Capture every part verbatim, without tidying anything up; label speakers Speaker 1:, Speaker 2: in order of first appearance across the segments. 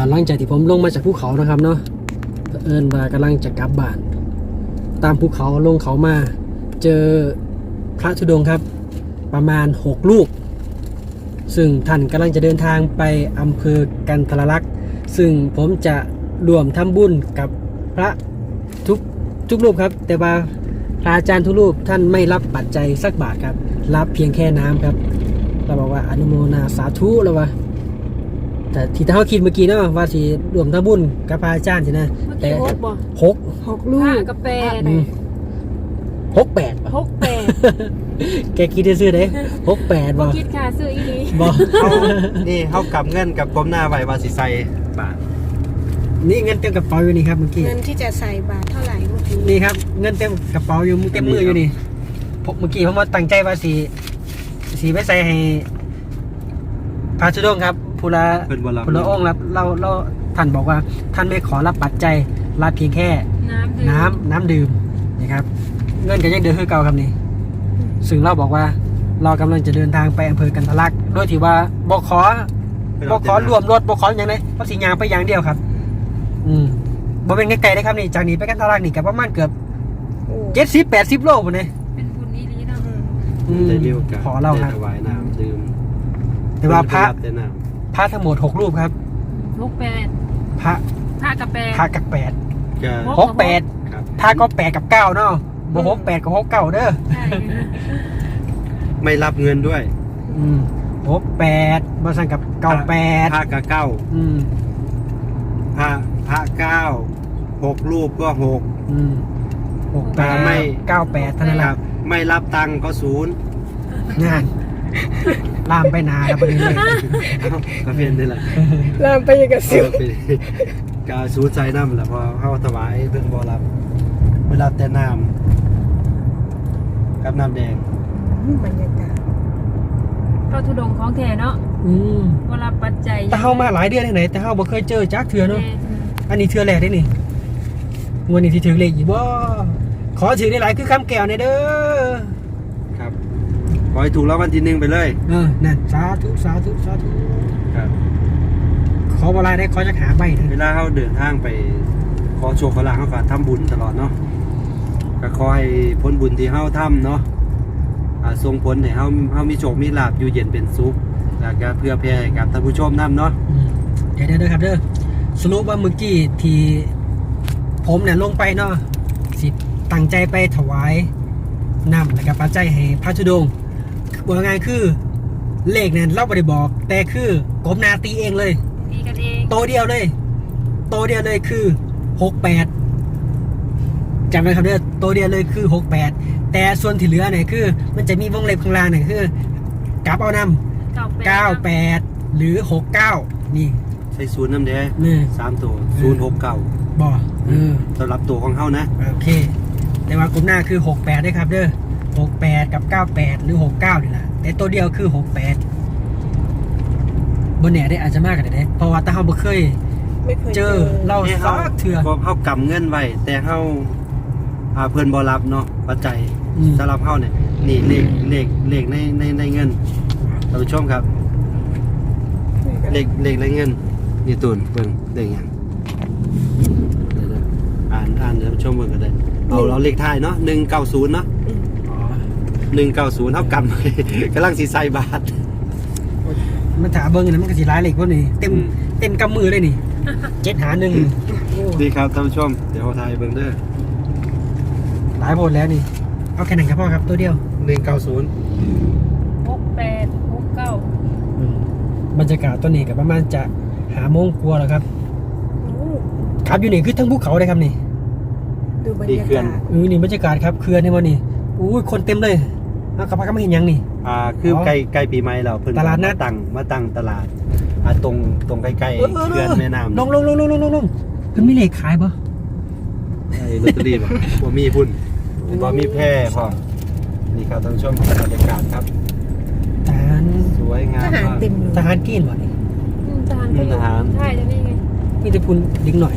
Speaker 1: หลังจากที่ผมลงมาจากภูเขานะครับเนาะเผอิญว่ากำลังจะกลับบ้านตามภูเขาลงเขามาเจอพระธุดงค์ครับประมาณหกรูปซึ่งท่านกำลังจะเดินทางไปอำเภอกันทรลักษณ์ซึ่งผมจะรวมทำบุญกับพระทุกทุกรูปครับแต่ว่าพระอาจารย์ทุกรูปท่านไม่รับปัจจัยสักบาทครับรับเพียงแค่น้ำครับเราบอกว่าอนุโมทนาสาธุแล้ววะแต่ที่เขาคิดเมื่อกี้เนาะว่าสิรวมทำบุญกับพระอาจารย์สินะแต่หกหก
Speaker 2: หกลูกกาแฟ
Speaker 1: หกแปด
Speaker 2: หกแปด
Speaker 1: แกคิดจะซื้อได้หกแปดบ่
Speaker 2: คิดค่ะซื้ออีนี้
Speaker 1: บ่
Speaker 3: เขานี่เขากำเงินกับกลมหน้าไว้ว่าสิใส่บาท
Speaker 1: นี่เงินเต็มกระเป๋าอยู่นี่ครับเมื่อกี้
Speaker 2: เงินที่จะใส่บาทเท่าไหร่เมื่อกี้
Speaker 1: นี่ครับเงินเต็มกระเป๋าอยู่เต็มมืออยู่นี่ผมเมื่อกี้ผมมาตั้งใจว่าสีสีไปใส่ให้พระธุดงค์ครับผู้ละ
Speaker 3: เป็นบอล
Speaker 1: ผู้ละองค์รับเราเราท่านบอกว่าท่านไม่ขอรับปัจจัยรับเพียงแค่
Speaker 2: น้ำ
Speaker 1: น้ำน้ำดื่มนะครับเงินก็ยังเดือคือเก่าครับนี่ซึ่งเราบอกว่าเรากำลังจะเดินทางไปอำเภอกันทรลักษณ์โดยที่ว่าบขบขรวมรถบขอย่างไรเพราะสียางไปอย่างเดียวครับอืมบ่เป็นไกลๆเลยครับนี่จากนี้ไปกันทรลักษณ์นี่กับประมาณเกือบเจ็ดสิบแปดสิบโลคนนี้
Speaker 2: เป็นบุญอีนี้นะ
Speaker 1: อืม
Speaker 3: ได้มีโอกาส
Speaker 1: ขอเราครับ
Speaker 3: ได้ถวายน้ำดื่ม
Speaker 1: แต่ว่าพระ
Speaker 3: เพิ่นได้รับแต่น้
Speaker 1: พระทั้งหมดหกรูปครับ
Speaker 2: หกแปด
Speaker 1: พระ
Speaker 2: ผ้ากาแฟ
Speaker 1: พระกับแปด
Speaker 3: ำก็
Speaker 1: หกแปด
Speaker 3: ครับ
Speaker 1: พระก็แปดกับเก้าเนาะบ่หกแปดกับหกเก้าเด้อ
Speaker 2: ใช่
Speaker 3: ไม่รับเงินด้วย
Speaker 1: อืมหกแปดบ่สั่งกับเก้าแปด
Speaker 3: พระกะเก้า
Speaker 1: อืม
Speaker 3: พระพระเก้าหกรูปก็หก
Speaker 1: อืมหกแปด
Speaker 3: ไม่
Speaker 1: เก้าแปดเท่านั้น
Speaker 3: ค
Speaker 1: แห
Speaker 3: รั
Speaker 1: ละ
Speaker 3: บไม่รับตังค์ก็ศูนย์
Speaker 1: งานลามไปนานแล้วประเด็นเลย
Speaker 3: เอ้าก็เป็นนี่แหละ
Speaker 2: ลามไปยังกับ
Speaker 3: เอ
Speaker 2: สิว
Speaker 3: อเป็นกาศูนย์ใจน้ำแหละพอเข้าถวายเพิ่งบอรับเวลาแต่น้ำกับน้ำแดง
Speaker 2: บรรยากาศพระธุดงค์ของแท้เนาะ
Speaker 1: อืม
Speaker 2: เวลาปัจจัย
Speaker 1: แต่เฮามาหลายเดือนที่ไหนแต่เฮาบ่เคยเจอจักเทื่อเนาะอันนี้เทื่อแรกได้นี่งวดนี้ที่ถือเลขอีกบ่ขอถือได้หลายคือคำแก้วเนี่ยเด้อ
Speaker 3: ครับขอให้ถูกรางวัลที่หนึ่งไปเลย
Speaker 1: เออนั่นสาธุสาธุสาธุ
Speaker 3: ครับ
Speaker 1: ขอบ่หลายได้ขอจักหาใบเถ
Speaker 3: เว
Speaker 1: อะ
Speaker 3: ลาเขาเดินทางไปขอโชคขอลาภเขาก็ทำบุญตลอดเนาะก็ขอให้ผลบุญที่เขาทำเนาะอ่าส่งผลให้เขาเขามีโชคมีลาภอยู่เย็นเป็นสุขแล้วก็เพื่อแผ่ให้กับท่านผู้ชมนำเนาะ
Speaker 1: อืมเดี๋ยวเด้อครับเด้อสรุปว่าเมื่อกี้ที่ผมเนี่ยลงไปเนาะสิตั้งใจไปถวายน้ำแล้วก็ปัจจัยให้พระธุดงค์ว่าไงคือเลขเนี่ยเราไม่ได้บอก แต่คือกบนาตีเองเลย
Speaker 2: ดีกันเอง
Speaker 1: โตเดียวเลย โตเดียวเลยคือหกแปดจำไว้ครับเด้อโตเดียวเลยคือหกแปดแต่ส่วนที่เหลือเนี่ยคือ มันจะมีวงเล็บข้างล่างเนี่ยคือกลับเอานำเก้าแปดหรือหกเก้านี่
Speaker 3: ใส่ศูนย์น้ำแดง
Speaker 1: นี่
Speaker 3: สามตัวศูนย์หกเก้า
Speaker 1: บ่เออ
Speaker 3: สำหรับตัวของเขานะ
Speaker 1: โอเค แต่ว่ากลุ่มหน้าคือหกแปดด้วยครับเด้อหกแปดกับเก้าแปดหรือหกเก้านี่แหละแต่ตัวเดียวคือหกแปดบนเนี่ยได้อาจจะมากกว่านี้เด้เพราะว่าถ้าเราบ่เคย
Speaker 2: ไม่เคย
Speaker 1: เจอเรา
Speaker 3: เนี่ย
Speaker 1: ซักเถื่อ
Speaker 3: ก็เขากำเงินไว้แต่เขาอ่าเพื่อนบอรับเนาะปัจจัย
Speaker 1: อืม
Speaker 3: สำหรับเขาเนี่ยนี่เลขเลขเลขในในในเงินท่านผู้ชมครับเลขเลขในเงินนี่ตูนเบิ่งเลขหยังเดี๋ยวๆอ่านอ่านท่านผู้ชมเบิ่งกันได้เอาเราเลขท้ายเนาะหนึ่งเก้าศูนย์เนาะ
Speaker 1: อ๋อ
Speaker 3: หนึ่งเก้าศูนย์เท่ากันเลย กำลังสีใส่บาท
Speaker 1: มันถาเบิ้งนะมันก็สิร้ายเหล็กพวกนี้เต็ม
Speaker 3: อืม
Speaker 1: เต็มกำมือเลยนี่ เจ็ดหาหนึ่งโอ้
Speaker 3: ดีครับท่านผู้ชมเดี๋ยวเราถ่ายเบิ่งเด้อ
Speaker 1: หลายโพดแล้วนี่ เอาแค่ไหนครับพ่อครับตัวเดียว
Speaker 3: หนึ่งเก้าศูนย์
Speaker 2: หกแปดหกเก้า
Speaker 1: อืมบรรยากาศตัวนี้กับประมาณจะหาโมงกลัวาแล้วครับครับอยู่นี่คือทั้งภูเขาเลยครับนี่
Speaker 2: ดูบรร
Speaker 3: ดี
Speaker 2: ยา
Speaker 3: เขื่อน
Speaker 2: กาศ
Speaker 1: เออนี่บรรยากาศครับเขื่อนนี่วันนี้อู้ยคนเต็มเลยเอากระพาก็ไม่เห็นหยังนี่
Speaker 3: อ่าคือใกล้ใกล้ปีใหม่เราเพิ่น
Speaker 1: ตลาดนัด
Speaker 3: มตั้งมาตั้งตลาดอ่าตรงตรงใกล้ๆ
Speaker 1: เออเออ
Speaker 3: เขื่อนแม่น้ำ
Speaker 1: ลงลงลงลงลงลงลงเพิ่นมีเลขขายปะ
Speaker 3: ไอ้ลอตเตอรี่บ่บ่มีพุ่นบ่มีแพร่พอนี่ครับท่านผู้ชมบรรยากาศครับ
Speaker 1: ทหาร
Speaker 3: สวยงา
Speaker 2: ท
Speaker 3: ม
Speaker 2: หาร
Speaker 3: มาก
Speaker 2: เต็มเลย
Speaker 1: ทหารกินวะนี่
Speaker 2: อืมทหารก็อยู่
Speaker 3: ทหาร
Speaker 2: ใช่จะนี่ไง
Speaker 1: มีแต่พุนดิ้งหน่อย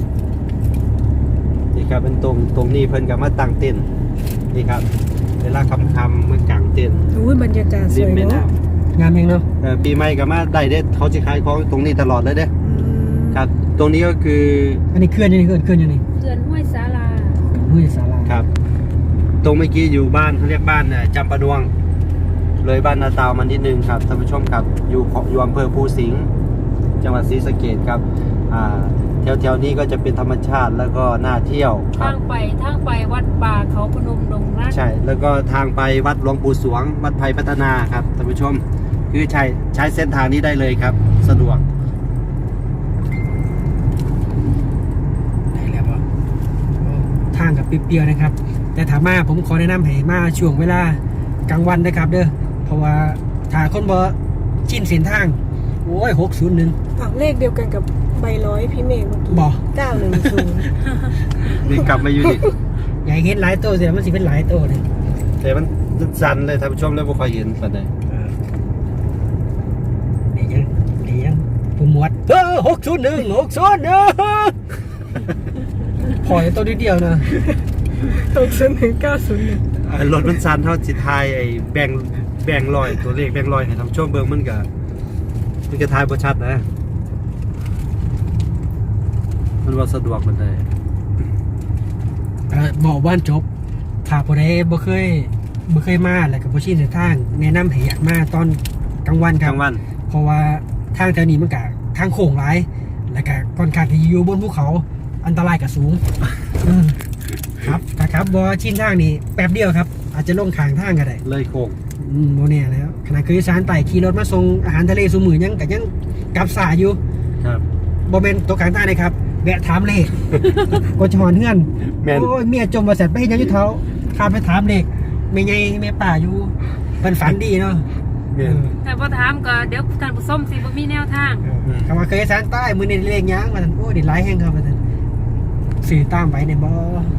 Speaker 3: นี่ครับเป็นตรงตรงนี้เพิ่นก็มาตั้งเต็นท์นี่ครับเวลาค่ำๆเมื่อกลางเต็นท์
Speaker 2: อุ้ยบรรยากาศส
Speaker 3: ริม
Speaker 2: วย
Speaker 3: แม่น้
Speaker 2: เนาะ
Speaker 1: งามเองเนาะ
Speaker 3: ำเอ่อปีใหม่ก็มาได้เด้อเขาสิขายของตรงนี้ตลอดเลยเด้อ
Speaker 2: อืม
Speaker 3: ครับ ตรงนี้ก็คือ
Speaker 1: อันนี้เคลื่อนยังไงเคลื่อนเคลื่อนยังไง
Speaker 2: เขื่อนห้วยสาลา
Speaker 1: ห้วยสารา
Speaker 3: ครับ ตรงเมื่อกี้อยู่บ้านเขาเรียกบ้านเนี่ยจำปะดวง เลยบ้านนาตาวมันนิดนึงครับท่านผู้ชมครับอยู่ของอยู่อำเภอภูสิงห์จังหวัดศรีสะเกษครับอ่าแถวแถวๆนี้ก็จะเป็นธรรมชาติแล้วก็น่าเที่ยวครั
Speaker 2: ทา
Speaker 3: บ
Speaker 2: งไปทางไปวัดป่าเขาพนมดงรัก
Speaker 3: ใช่แล้วก็ทางไปวัดหลวงปู่สวง วัดไผ่พัฒนาครับท่านผู้ชม คือใช้ใช้เส้นทางนี้ได้เลยครับ สะดวก
Speaker 1: ได้แล้วป่ะทางกับเปรี้ยวๆนะครับ แต่ถามมาผมขอแนะนำให้มาช่วงเวลากลางวันนะครับเด้อเพราะว่าถ้าคนบ่ชินเส้นทางโอ้ยหกศูนย์หนึ่ง
Speaker 4: อ้าวเลขเดียวกันกับใบร้อยพี่เมฆเมื่อกี้
Speaker 1: บ่
Speaker 4: เก้าหนึ่งศูนย์
Speaker 3: นี่กลับมาอยู่นี่
Speaker 1: อยากเห็นหลายตัวเสียมันสิเป็นหลายตัวเลย
Speaker 3: แต่มันสั่นเลยท่านผู้ชมแล้วบ่ค่อยเห็นปานใด
Speaker 1: เดี๋ยวยังเดี๋ยวยังผมหมวดเออหกศูนย์หนึ่งหกศูนย์หนึ่งพอตัวนิดเดียวนะ
Speaker 4: หกศูนย์หนึ่งเก้าศูนย์หนึ่ง
Speaker 3: อ่ารถมันสั่นเท่าสิทายไอ้แบ่งแบ่งลอยตัวเลขแบ่งลอยให้ท่านผู้ชมเบิ่งมันก็มันก็ทายบ่ชัดนะ มันว่าสะดวกปานใด
Speaker 1: เออบอกว่านจบถ้าผู้ใดบ่เคยบ่เคยมาแล้วก็บ่ชินเส้นทางแนะนำให้อยากมาตอนกลางวันค
Speaker 3: ก
Speaker 1: รั
Speaker 3: ลา
Speaker 1: บ
Speaker 3: งวัน
Speaker 1: เพราะว่าทางแถวนี้มันก็ทางโค้งหลายแล้วก็ค่อนข้างที่อยู่บนภูเขาอันตรายก็สูงอืมครับถ้าครับบ่ชินทางนี่แป๊บเดียวครับ อาจจะลงข้างทางก็ได้
Speaker 3: เลยโค้ง
Speaker 1: อืมโมแน่แล้วขณะคืออีสานไต่ขี่รถมาส่งอาหารทะเลสูมือยังกับยังกลับสายอยู่
Speaker 3: ครับ
Speaker 1: โมเมนตัวกลางใต้เลยครับแวะถามเลข ก็จะหอนเฮือน
Speaker 3: แม่น
Speaker 1: โอ้ยเมียจมมาเสร็จไปเห็นยังอยุเท้าข้ามไปถามเลขไม่ไงแม่ป่าอยู่เป็นฝันดีเนาะ
Speaker 3: แม่น
Speaker 2: แต่พอถามก็เดี๋ยวท่านผู้ชมสิบ่มีแนวทาง
Speaker 1: เออคำว่าเคยอีสานใต้มือนี่เลขยังมาทันโอ้ยเด็ดร้ายแห้งครับมาทันสื่อตามไปในบ่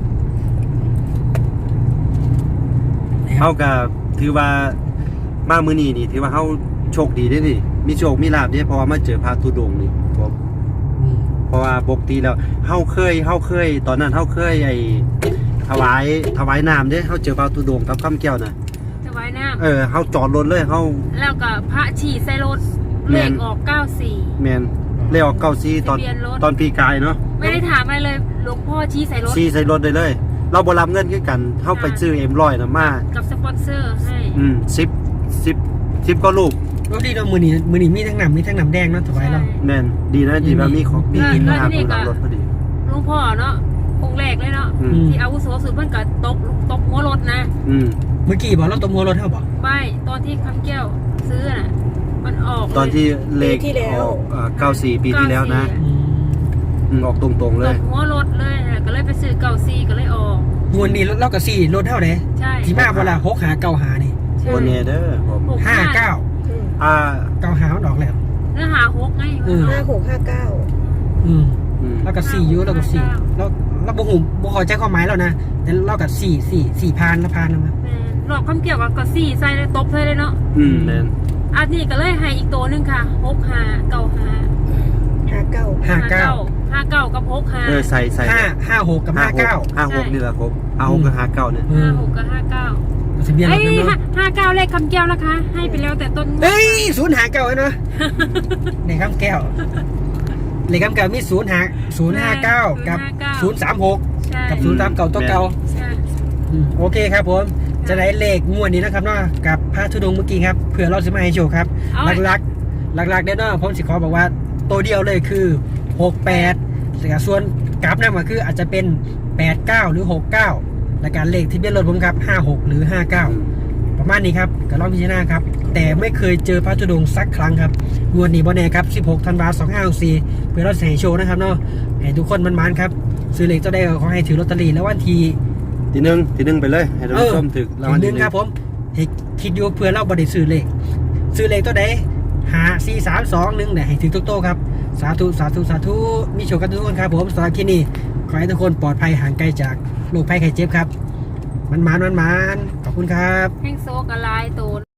Speaker 3: เฮาก็ถือว่ามามื้อนี้นี่ถือว่าเฮาโชคดีเด้นี่ มีโชคมีลาภเด้เพราะว่ามาเจอพระธุดงค์นี่ผม
Speaker 1: อืม
Speaker 3: เพราะว่าปกติแล้วเฮาเคยเฮาเคย ตอนนั้นเฮาเคยไอ้ถวายถวายน้ำเด้เฮาเจอพระธุดงค์กับคำแก้วน่ะ
Speaker 2: จะไว้น้
Speaker 3: เออเฮาจอดรถเลยเฮา
Speaker 2: ำแล้วก็พระฉี่ใส่รถ
Speaker 3: แม่
Speaker 2: เล
Speaker 3: น
Speaker 2: ขออกเก้าสี่
Speaker 3: แม่นเลขออกเก้าสี่ตอน
Speaker 2: ทะเบียนรถ
Speaker 3: ตอนปีกายเนาะ
Speaker 2: ไม่ได้ถามอะไรเลยหลวงพ่อชี้ใส่รถ
Speaker 3: ซี่ใส่รถได้เลย เราบ่รับเงินคือกันเฮาไปซื้อเอ็มร้อยน่ะมา
Speaker 2: กับสปอนเซอร์ให้
Speaker 3: อืมสิบ สิบ สิบก็ลูก
Speaker 1: รถดีเนาะมือนี้มือนี้มีทั้งน้ำมีทั้งน้ำแดงเนาะถวายเรา
Speaker 3: แม่นดีนะดีว่ามีของมีกินมาผู้รับรถพอดี
Speaker 2: หลวงพ่อเนาะองค์แรกเลยเนาะ
Speaker 3: อืม
Speaker 2: ที่อาวุโสสุดเพิ่นก็ตกตกหัวรถนะ
Speaker 3: อืม
Speaker 1: เมื่อกี้บอกเราตัวมัวรถเท่าบอก
Speaker 2: ไม่ตอนที่คำแก้วซื้อน่ะ มันออกเลย
Speaker 3: ตอนที่เลขออกเอ่อเก้าสี่ปีที่แล้วนะ
Speaker 2: เก้าสี่
Speaker 1: อืม
Speaker 3: อืมออกตรงๆเล
Speaker 2: ต
Speaker 3: ย
Speaker 2: กหัวรถเลยนะก็เลยไปซื้อเก้าสี่ก็เลยออก
Speaker 1: มวนนี้เรากับสี่รถเท่าไหร่
Speaker 2: ใช่
Speaker 1: ที่มาเวลาหกหาเก้าหานี่
Speaker 2: ใช่
Speaker 3: โอเนเดอร์ผม
Speaker 2: หก
Speaker 1: ห้าเก้า
Speaker 4: อืม
Speaker 3: อ่า
Speaker 1: เก้าหามันออกแล้ว
Speaker 2: เนื้อหาหกไง
Speaker 1: อืม
Speaker 4: ห้าหกห้าเก้า
Speaker 1: อืม
Speaker 3: อืม
Speaker 1: แล้วกับสี่อยูแล้วกับสี่แล้วเราบ่หูบ่เข้าใจความหมายแล้วนะแต่เรากับสี่สี่สี่พานละพานนะมั้ย
Speaker 2: แม่นรอบคำเกี่ยวกับก็สี่ใส่เลยตบใส่เลยเนาะ
Speaker 3: อืมแม่น
Speaker 2: อันนี้ก็เลยให้อีกตัวหนึงค่ะหกหาเก้าหา
Speaker 4: ห้าเก้า
Speaker 1: ห้าเก้า
Speaker 2: ห้าเก้ากับหกหา
Speaker 3: เออใส่ใส่
Speaker 1: ห้าห้าหกกับห้าเก้า
Speaker 3: ห้าหกนี่แหละครับห้าหกกับห้าเก้าเนี่ย
Speaker 1: อื
Speaker 2: ห้าม หกกับห้าเก้า
Speaker 1: ทะเบียนร
Speaker 2: เอ้
Speaker 1: ถ
Speaker 2: ย
Speaker 1: กัน
Speaker 2: ห้า
Speaker 1: เนาะ
Speaker 2: ห้าเก้าเลขคำแก้วนะคะ ให้ไปแล้วแต่ต้นงวด
Speaker 1: เฮ้ยศูนย์หาเก้าเนาะในคำแก้วเลขคำแก้วมีศูนย์หาศูนย์ห้าเก้ากับศูนย์สามหก
Speaker 2: ใช่
Speaker 1: กับศูนย์สามเก้าตัวเก่า
Speaker 2: ใช่
Speaker 1: อืมโอเคครับผมจะได้เลขงวดนี้นะครับเนาะกับพระธุดงค์เมื่อกี้ครับเผื่อเราจะมาให้โชว์ครับ
Speaker 2: เอา
Speaker 1: หลักๆหลักๆเด้อเนาะผมสิขอบอกว่าตัวเดียวเลยคือหกแปดส่วนกราฟนั่นก็คืออาจจะเป็นแปดเก้าหรือหกเก้าและการเลขที่เบียนรถผมครับห้าหกหรือห้าเก้าประมาณนี้ครับก็ลองพิจารณาครับแต่ไม่เคยเจอพระธุดงค์สักครั้งครับงวดนี้บ่แน่ครับสิบหกธันวาคมสองพันห้าร้อยหกสิบสี่เพื่อเราจะให้โชว์นะครับเนาะให้ทุกคนมันๆครับซื้อเลขตัวใดก็ขอให้ถือลอตเตอรี่แล้ววันที่
Speaker 3: ทีหนึ่งทีหนึ่งไปเลย ให้ท่านผู้ชมถึกรางวัล
Speaker 1: ทีห
Speaker 3: ที่
Speaker 1: นึ่ง
Speaker 3: หนึ่ง
Speaker 1: ครับผมให้คิดอยู่เพื่อเราบริซื้อเลขซื้อเลขตัวใดหาสี่สามสองหนึ่งเนี่ยให้ถึงทุกโต๊ะครับสาธุสาธุสาธุมีโชคกันทุกคนครับผมสำหรับที่นี่ขอให้ทุกคนปลอดภัยห่างไกลจากโรคภัยไข้เจ็บครับมันมานมันมานขอบคุณครับ
Speaker 2: แห้งโซกอะไรตัว